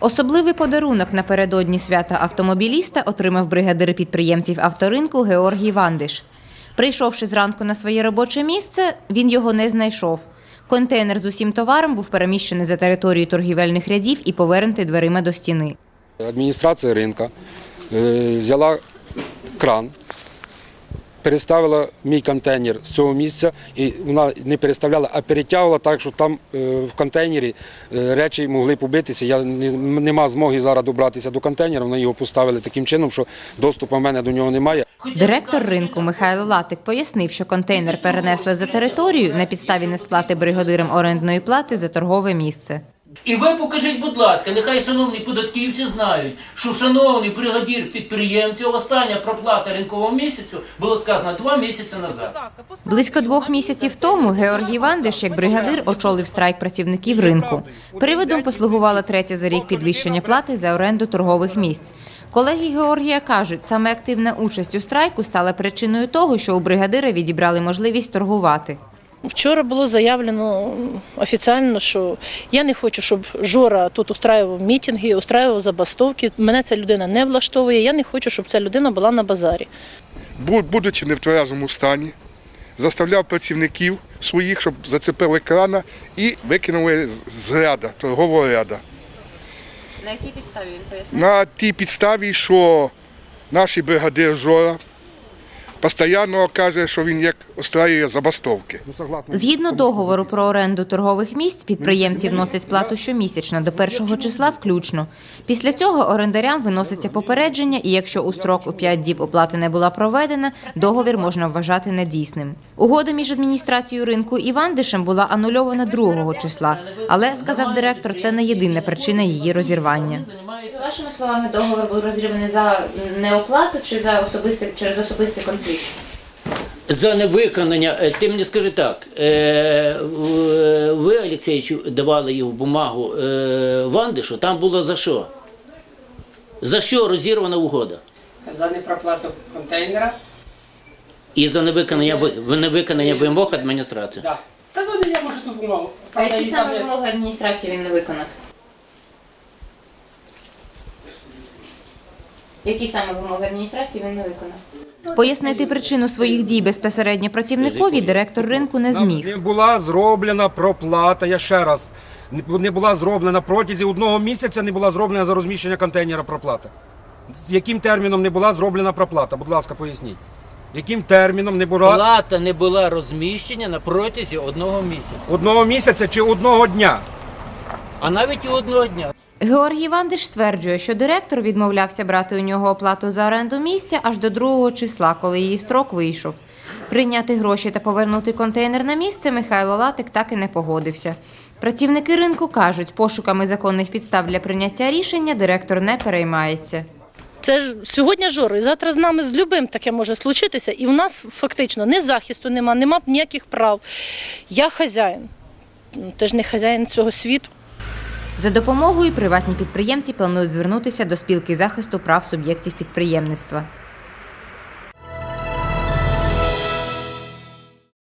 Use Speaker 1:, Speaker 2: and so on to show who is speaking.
Speaker 1: Особливий подарунок напередодні свята автомобіліста отримав бригадир підприємців авторинку Георгій Вандиш. Прийшовши зранку на своє робоче місце, він його не знайшов. Контейнер з усім товаром був переміщений за територію торгівельних рядів і повернутий дверима до стіни.
Speaker 2: Адміністрація ринку взяла кран, переставила мій контейнер з цього місця, і вона не переставляла, а перетягувала так, що там в контейнері речі могли побитися. Я не мав змоги зараз добратися до контейнера, вони його поставили таким чином, що доступу в мене до нього немає.
Speaker 1: Директор ринку Михайло Латик пояснив, що контейнер перенесли за територію на підставі несплати бригадирам орендної плати за торгове місце.
Speaker 3: І ви покажіть, будь ласка, нехай шановні податківці знають, що шановний бригадир підприємців, остання проплата ринкового місяцю було сказано 2 місяці назад.
Speaker 1: Близько 2 місяців тому Георгій Вандиш, як бригадир, очолив страйк працівників ринку. Приводом послугувало третє за рік підвищення плати за оренду торгових місць. Колеги Георгія кажуть, саме активна участь у страйку стала причиною того, що у бригадира відібрали можливість торгувати.
Speaker 4: Вчора було заявлено офіційно, що я не хочу, щоб Жора тут устраював мітинги, устраював забастовки. Мене ця людина не влаштовує, я не хочу, щоб ця людина була на базарі.
Speaker 5: Будучи не в тверезому стані, заставляв працівників своїх, щоб зацепили крана і викинули з ряду, торгового ряду.
Speaker 1: На якій підставі він пояснив?
Speaker 5: На тій підставі, що наш бригадир Жора постійно каже, що він як устраює забастовки.
Speaker 1: Згідно договору про оренду торгових місць, підприємці вносять плату щомісячно до 1 числа включно. Після цього орендарям виноситься попередження, і якщо у строк у 5 діб оплати не була проведена, договір можна вважати недійсним. Угода між адміністрацією ринку і Вандишем була анульована 2 числа, але, сказав директор, це не єдина причина її розірвання.
Speaker 6: За вашими словами, договор був розірваний за неоплату чи через особистий конфлікт?
Speaker 3: За невиконання, ти мені скажи так, ви, Олексійовичу, давали його бумагу Вандишу, там було за що? За що розірвана угода?
Speaker 7: За непроплату контейнера.
Speaker 3: І за невиконання вимог адміністрації?
Speaker 7: Так. Та вони, я можу ту бумагу.
Speaker 6: А які саме вимоги адміністрації він не виконав? Які саме вимоги адміністрації він не виконав?
Speaker 1: Пояснити причину своїх дій безпосередньо працівникові директор ринку не зміг.
Speaker 8: Не була зроблена проплата, я ще раз, не була зроблена протягом 1 місяця, не була зроблена за розміщення контейнера проплата. З яким терміном не була зроблена проплата? Будь ласка, поясніть. Яким терміном не була?
Speaker 3: Плата не була розміщена на протязі 1 місяця.
Speaker 8: 1 місяця чи 1 дня?
Speaker 3: А навіть і 1 дня.
Speaker 1: Георгій Вандиш стверджує, що директор відмовлявся брати у нього оплату за оренду місця аж до 2 числа, коли її строк вийшов. Прийняти гроші та повернути контейнер на місце Михайло Латик так і не погодився. Працівники ринку кажуть, пошуками законних підстав для прийняття рішення директор не переймається.
Speaker 4: Це ж сьогодні Жора, і завтра з нами з любим таке може случитися, і в нас фактично ні захисту нема ніяких прав. Я хазяїн, ти ж не хазяїн цього світу.
Speaker 1: За допомогою приватні підприємці планують звернутися до спілки захисту прав суб'єктів підприємництва.